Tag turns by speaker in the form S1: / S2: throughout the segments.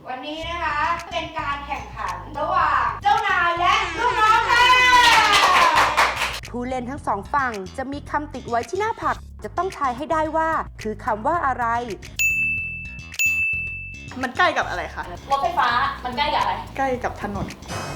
S1: วันนี้นะคะเป็นการแข่งขันระหว่างเจ้านายและลูกน้องค่ะ
S2: ผู้เล่นทั้งสองฝั่งจะมีคำติดไว้ที่หน้าผักจะต้องทายให้ได้ว่าคือคำว่าอะไร
S3: มันใกล้กับอะไรคะ
S4: รถไฟฟ้ามันใกล้กับอะไร
S3: ใกล้กับถนน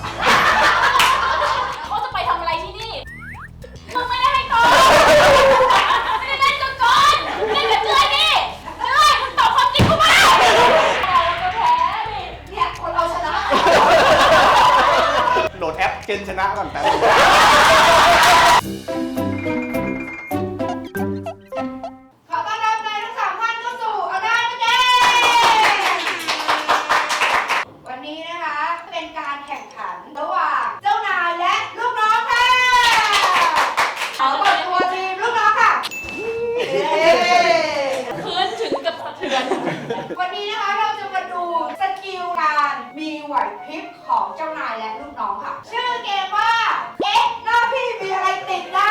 S4: เขาจะไปทำอะไรที่นี่มึงไม่ได้ให้ก่อนไม่ได้เล่นก่อนเล่นกับเจ้ยดิเจ้ยมึงตอบความจริงกูมาเราก็แพ้ดิ
S1: เนี่ยคนเราชนะ
S5: โหลดแอปเกณฑ์ชนะก่อนแป๊บ
S1: ขอต้อนรับนายทั้งสามท่านเข้าสู่เอาได้ไหมเจ๊วันนี้นะคะเป็นการแข่งขันระหว่างเจ้านายและลูกน้องค่ะขอเปิดตัวทีมลูกน้องค่ะ
S4: พื้นถึงกับสะเทือน
S1: วันนี้นะคะเราจะมาดูสกิลการมีไหวพริบของเจ้านายและลูกน้องค่ะชื่อเกมว่าเอ๊ะหน้าพี่มีอะไรติดนะ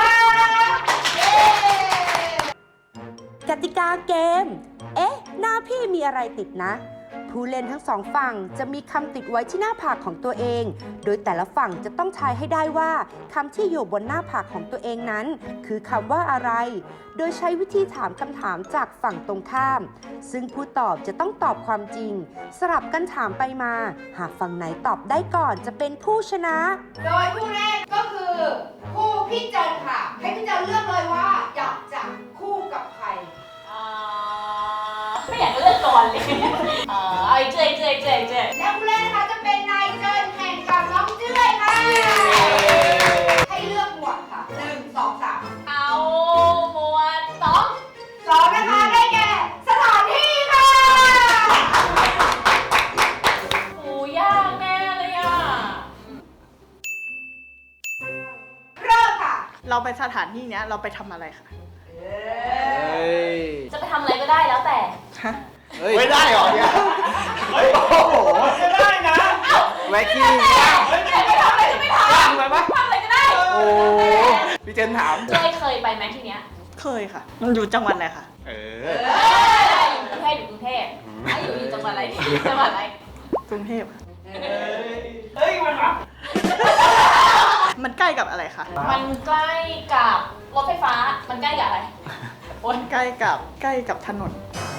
S2: กติกาเกมเอ๊ะหน้าพี่มีอะไรติดนะผู้เล่นทั้งสองฝั่งจะมีคำติดไว้ที่หน้าผากของตัวเองโดยแต่ละฝั่งจะต้องทายให้ได้ว่าคำที่อยู่บนหน้าผากของตัวเองนั้นคือคำว่าอะไรโดยใช้วิธีถามคำถามจากฝั่งตรงข้ามซึ่งผู้ตอบจะต้องตอบความจริงสลับกันถามไปมาหากฝั่งไหนตอบได้ก่อนจะเป็นผู้ชนะ
S1: โดยผู้แรกก็คือคู่พี่เจินค่ะให้พี่เจินเลือกเลยว่าอยากจะคู่กับใคร
S4: ไม่อยากเลือกก่อนเลยไอ้เจ้ย
S1: และผู้เล่นนะคะจะเป็นนายเจินแข่งกับน้องเจ้ยค่ะให้เลือกหมวดค่ะ1 2 3
S4: เอาหมวด
S1: 2นะคะได้แก่สถานที่ค่ะ
S4: โอ้ยากแน่เลยอ่ะ
S1: เริ่มค่ะ
S3: เราไปสถานที่เนี้ยเราไปทำอะไรคะ
S4: จะไปทำอะไรก็ได้แล้วแต่
S5: ไม่ได้หรอเนี่ยเฮ้ยโอ้โหไม่ได้นะ
S4: แวกกี้ไปทำอะไรก็ไม่ทำ
S5: ทำอะไรปะ
S4: ทำอะไรก็ได้
S5: โอ้พี่เจนถาม
S4: เคยไปไหมที่เนี้ย
S3: เคยค่ะมันอยู่จังหวัดอะไรคะ
S4: อยู่กรุงเทพอยู่จังหวัดอะไรจังหวัดอะไร
S3: กรุงเทพ
S5: เฮ้ยมันรับ
S3: มันใกล้กับอะไรคะ
S4: มันใกล้กับรถไฟฟ้ามันใกล้กับอะไร
S3: ใกล้กับถนน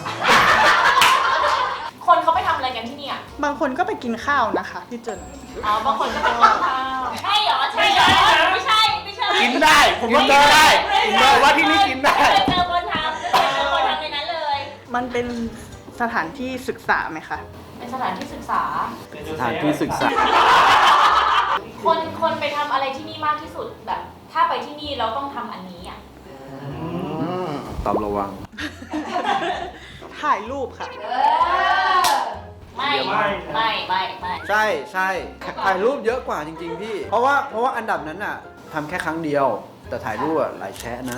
S4: คนเขาไปทำอะไรกันที่นี่อ่ะ
S3: บางคนก็ไปกินข้าวนะคะพี่เจน
S4: บางคนก็ไปกินข้าวใช่เหรอไม่ใช่
S5: กินได้ผมว่ากินได้ผมว่าที่นี่กินได้
S4: เจอคนทำในนั้นเลย
S3: มันเป็นสถานที่ศึกษาไหมคะ
S4: เป็นสถานที่ศึกษาคนไปทำอะไรที่นี่มากที่สุดแบบถ้าไปที่นี่เราต้องทำอันนี้อ่ะ
S5: ตอบระวัง
S3: ถ่ายรูปค่ะ
S4: ไม่
S6: ใช่ถ่ายรูปเยอะกว่าจริงๆพี่เพราะว่าอันดับนั้นน่ะทำแค่ครั้งเดียวแต่ถ่ายรูปหลายแชะนะ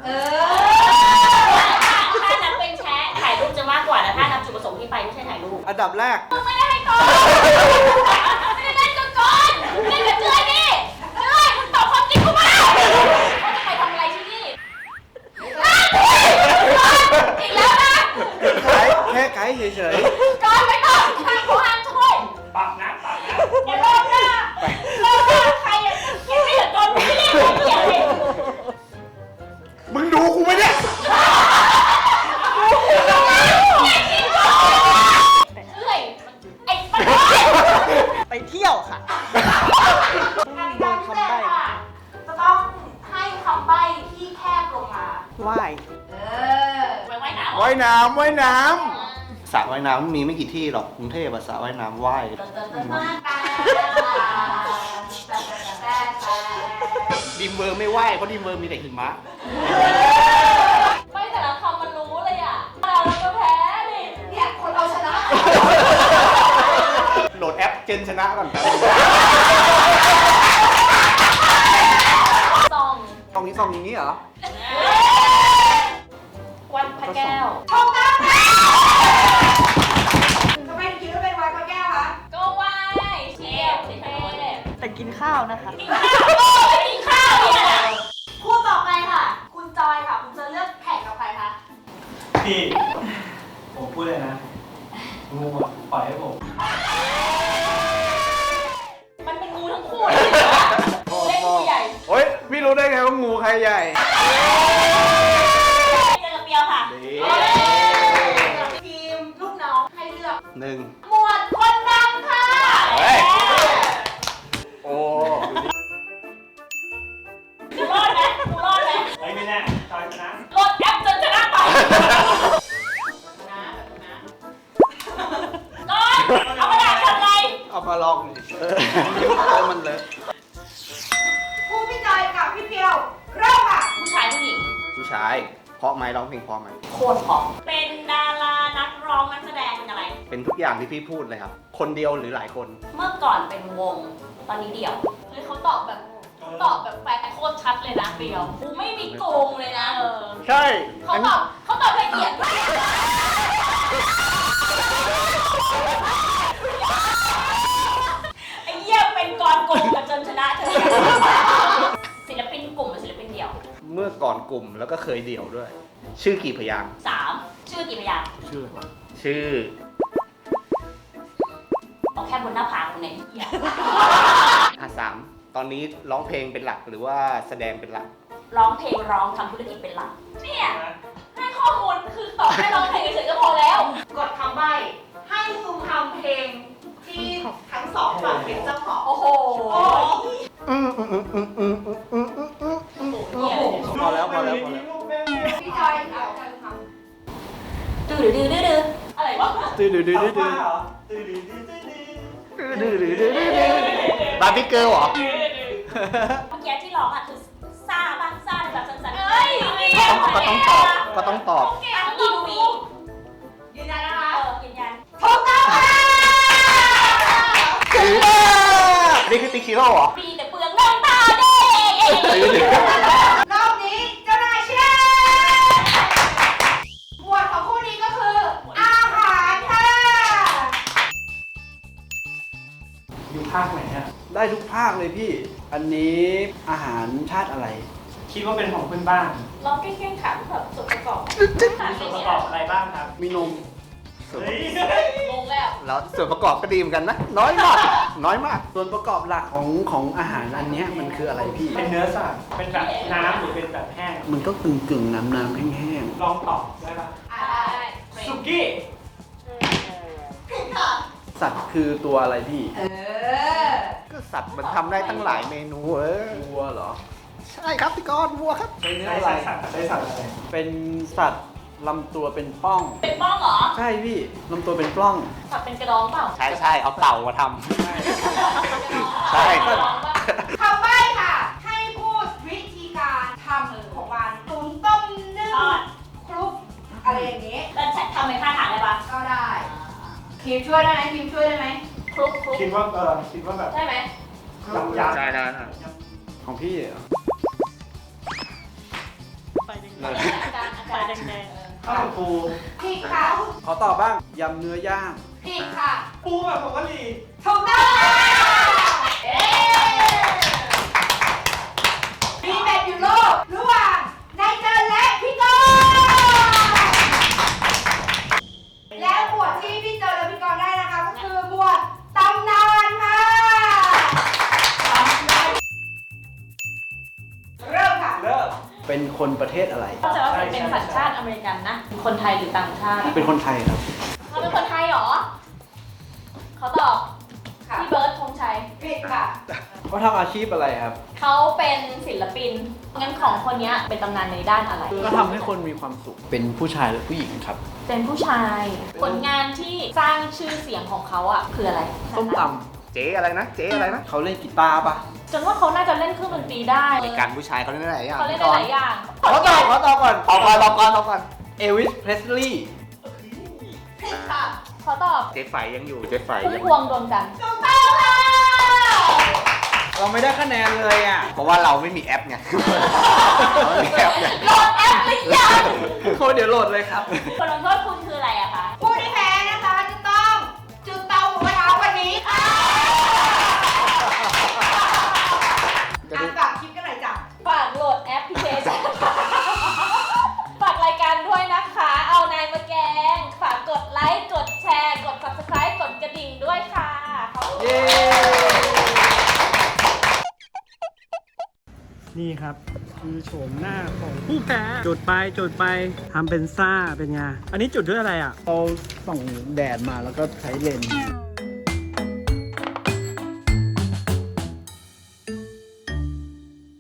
S4: ถ้านับเป็นแชะถ่ายรูปจะมากกว่าแต่ถ้านับจุดประสงค์ที่ไปไม่ใช่ถ่ายรูป
S6: อันดับแรก
S4: มึงไม่ได้ให้ก่อนไม่ได้เล่นก่อนเล่นกับเจ้ยดิเจ้ยมึงตอบความจริงกูมาเขาจะไปทำอะไรที่นี่อีกแล้วนะ
S6: แค่ไกด์เฉย
S4: ๆก่อนไปต่อทางของอันช่วย
S5: ปักนะ
S4: อย่าลงนะใครอ่ะยังไม่เห็นโดนพี่เลี้ยงเกี่ยวเลย
S5: มึงดูกูไหมเนี่ย
S3: ไปเที่ยวค่ะ
S4: ทางการแสดงค่ะจะต้องให้คำใบ้ที่แคบลงมา
S3: ว่าย
S4: ว่ายน้ำ
S5: สระว่ายน้ำมีไม่กี่ที่หรอกกรุงเทพสระว่ายน้ำว่ายดิมเวอร์ไม่ว่ายเพราะดิมเวอร์มีแต่หิมะ
S4: ไม่แต่ละคำมันรู้เลยอ่ะเราก็แพ้ดิ
S1: เนี่ยคนเราชนะ
S5: โหลดแอปเกณฑ์ชนะก่อนแป๊บ
S4: ซอง
S6: อย่างนี้เหรอ
S4: วัดพระแก้ว
S1: ถูกต้องค่ะทำไมถึงคิดว่าเป็นวัดพระแก้วคะ
S4: ก็ไหว้เทพ
S3: แต่กินข้าวนะคะ
S4: กินข้าวเนี่ยคู่ต่อไปค่ะคุณจอยค่ะคุณจะเลือกแข่งกับใครคะ
S7: พี่ผมพูดเลยนะงูปล่อยให้ผม
S6: ใหญ่
S4: เจอกับเปียวค่ะ
S1: ทีมลูกน้องให้เลือก
S5: หนึ่ง
S4: หมวดคนดังค่ะ
S5: เฮ้ย
S6: โอ้
S4: กูรอดไหมกูรอดไหม
S5: เฮ้ยไม่แน่จอยชนะ
S4: รถแอปจนชนะไปรอดเอากระดาษทำไง
S6: เอามาลองดิมันเลอะ
S1: ผู้พี่จอยกับพี่เพียวเริ่มค่ะ
S4: ผู้ชายผู้หญิง
S5: ผู้ชายเพราะไหมร้องเพลงเพราะไหม
S4: โคตรผอมเป็นดารานักร้องนักแสดงเป็นอะไร
S5: เป็นทุกอย่างที่พี่พูดเลยครับ คนเดียวหรือหลายคน
S4: เมื่อก่อนเป็นวง ตอนนี้เดี่ยวเฮ้ยเขาตอบแบบแฟนโคตรชัดเลยนะเปียวกูไม่มีโกงเลยนะ
S6: ใช่
S4: เขาตอบละเอียดไอ้เหี้ยเป็นกรโกงกันจนชนะเธอศิลปินกลุ่มหรือศิลปินเดี่ยว
S5: เมื่อก่อนกลุ่มแล้วก็เคยเดี่ยวด้วย ชื่อกี่พยางค์
S4: 3 ชื่อกี่พยางค์
S6: ชื่ออะไรวะ
S5: ชื่อ
S4: เอาแค่บนหน้าผากคนไหนเหี้ย
S5: 3ตอนนี้ร้องเพลงเป็นหลักหรือว่าแสดงเป็นหลัก
S4: ร้องเพลงร้องทำธุรกิจเป็นหลักเนี่ยให้ข้อมูลคือตอบให้ร้องเพลงเฉยๆก็พอแล้ว
S1: กดคำใบ้ให้ซูมทำเพลงที่ทั้งสองฝั่งเป็นเจ้าของ
S4: โอ้โห
S6: พอแล้ว
S1: พี่จอยเอาจอยทำ
S4: ดื้ออะไรวะ
S6: ตื้อดื้อดื้อดื้อดื้อบ
S5: าร์บี้เกิร์ลเหรอ
S4: เมื่อกี้ที่ร้องอ่ะคือซ่าบ้างซ่าแบบสั้นๆเอ้ยนี่
S5: ก็ต้องตอบ
S4: ทั้งอินวี
S1: ยืนยันนะคะ
S4: ยืนยัน
S1: ถูกต้องค่ะ
S5: นี่คือติ๊กชิโร่เหรอ
S4: มีแต่เปลืองน้ำตาเด้
S1: รอบนี้เจ้านายชนะหมวดของคู่นี้ก็คือ อาหารค่ะ
S7: อยู่ภาคไหนอะ
S6: ได้ทุกภาคเลยพี่ อันนี้อาหารชาติอะไร
S7: คิดว่าเป็นของเพื่อนบ้าน
S4: ร้องเก่งๆค่ะแบบส่วนประกอบ
S7: มีส่วนประกอบอะไรบ้างครับ
S6: มีนม
S7: เฮ้ย
S4: งงแล้ว
S5: แล้วส่วนประกอบก็ดีเหมือนกันนะ น้อยมาก น้อยมาก
S6: ส่วนประกอบหลักของอาหารอันเนี้ยมันคืออะไรพี่
S7: เป็นเนื้อสัตว์เป็นแบบน้ำหรือเป็นแบบแห้ง
S6: มันก็กึ่งน้ำแห้ง
S7: ลองตอบได้ปะ
S4: ได้
S7: สุกี้
S6: ๆ สัตว์คือตัวอะไรพี่
S5: ก็สัตว์มันทำได้ตั้งหลายเมนู
S6: วัวเหรอ
S5: ใช่ครับพี่กรณ์วัวครับ
S6: เป็นเนื้อ
S7: ใช้
S6: อะไร
S7: สัตว์ใช้สัตว์อะไร
S6: เป็นสัตว์ลำตัวเป็นปล้อง
S4: เป็นบ้องเหรอ
S6: ใช่พี่ลำตัวเป็นปล้อง
S4: สับเป็นกระดองเปล่า
S5: ใช่เอาเต่ามาทำ ใช่
S4: กระดองเปล่า
S1: คำใบ้ค่ะ ให้พูดวิธีการทำของมันตุ๋นต้มนึ่ง
S4: ทอด
S1: คลุกอะไรอย่างนี้
S4: แล้วทำเป็นท่าทางได้ปะ
S1: ก็ได้ทีมช่วยได้ไหมทีมช่วยได้ไหม
S4: คลุก
S7: คิดว่าคิดว่าแบบ
S4: ได้ไหม
S7: ยำยำ
S5: ใช่นะ
S6: ของพี่เหรอ
S3: ไปแดง
S4: อาการ
S3: ๆไปแดง
S7: ข้าวปู
S1: ผิดค่ะ
S6: ขอตอบบ้าง ยำเนื้อย่าง
S1: ผิดค่ะ
S7: ปูแบบผงกะหรี่
S1: ถูกต้องค่ะเย้มีแมตช์อยู่โลกระหว่างนายเจินและพี่กรณ์และหมวดที่พี่เจินและพี่กรณ์ได้นะคะก็คือหมวดตำนานค่ะเริ่มค่ะ
S7: เริ่ม
S6: เป็นคนประเทศอะไร
S3: ๆเข้าใจว่าเป็นสัญชาติอเมริกันนะ คนไทยหรือต่างชาติ
S6: เป็นคนไทยครับ
S4: เขาเป็นคนไทยเหรอ เขาตอบ
S1: ค่ะ
S4: พี่เบิร์ดธงชัย
S1: ผิดค่ะ
S6: เขาทำอาชีพอะไรครับ
S4: เขาเป็นศิลปิน งั้นของคนนี้เป็นตำนานในด้านอะไร
S6: ก็ทำให้คนมีความสุข เป็นผู้ชายหรือผู้หญิงครับ
S4: เป็นผู้ชาย ผลงานที่สร้างชื่อเสียงของเขาอ่ะคืออะไร
S6: ส้มต
S5: เจ๊อะไรนะ เจ๊อะไรนะ
S6: ำเขาเล่นกีตาร์ปะ
S4: จนว่าเขาน่าจะเล่นเครื่องดนตรีได้
S5: รายการผู้ชายเขาเล่นได้หลายอย่าง
S4: เขาเล่นได้หลายอย่าง
S6: ขอตอบก่อน
S5: ตอบก่อนตอบก่อน
S6: เอวิส เพรสลีย์
S1: ผิดค่ะ
S4: เขาตอบ
S5: เจ๊ไฝยังอยู่ เจ๊ไฝ
S4: พุ่ม
S5: ยัง
S4: พวงดวงจันทร์
S1: ถูกต้องค่ะ
S6: เราไม่ได้คะแนนเลยอ่ะ
S5: เพราะว่าเราไม่มีแอปไง เราไม่มีแอปไง
S4: โหลดแอปหรือยัง
S6: โคเดี๋ยวโหลดเลยครับ
S4: บทลงโทษคุณคืออะไรอะคะ
S1: ผู้ที่แพ้นะคะจะต้องจุดเตาหมูกระทะวันนี้ค่ะอ่านฝากคลิปกันหน่อยจ้ะ
S4: ฝากโหลดแอปพลิเคชัน ฝากรายการด้วยนะคะ เอานายมาแกง ฝากกดไลค์ กดแชร์ กด subscribe กดกระดิ่งด้วยค่ะขอบคุณ
S6: เย้
S4: ค่ะ
S7: นี่ครับ คือโฉมหน้าของผู้แพ้จุดไปทำเป็นซ่าเป็นไง อันนี้จุดด้วยอะไรอ่ะ
S6: เราส่องแดดมาแล้วก็ใช้เลนส์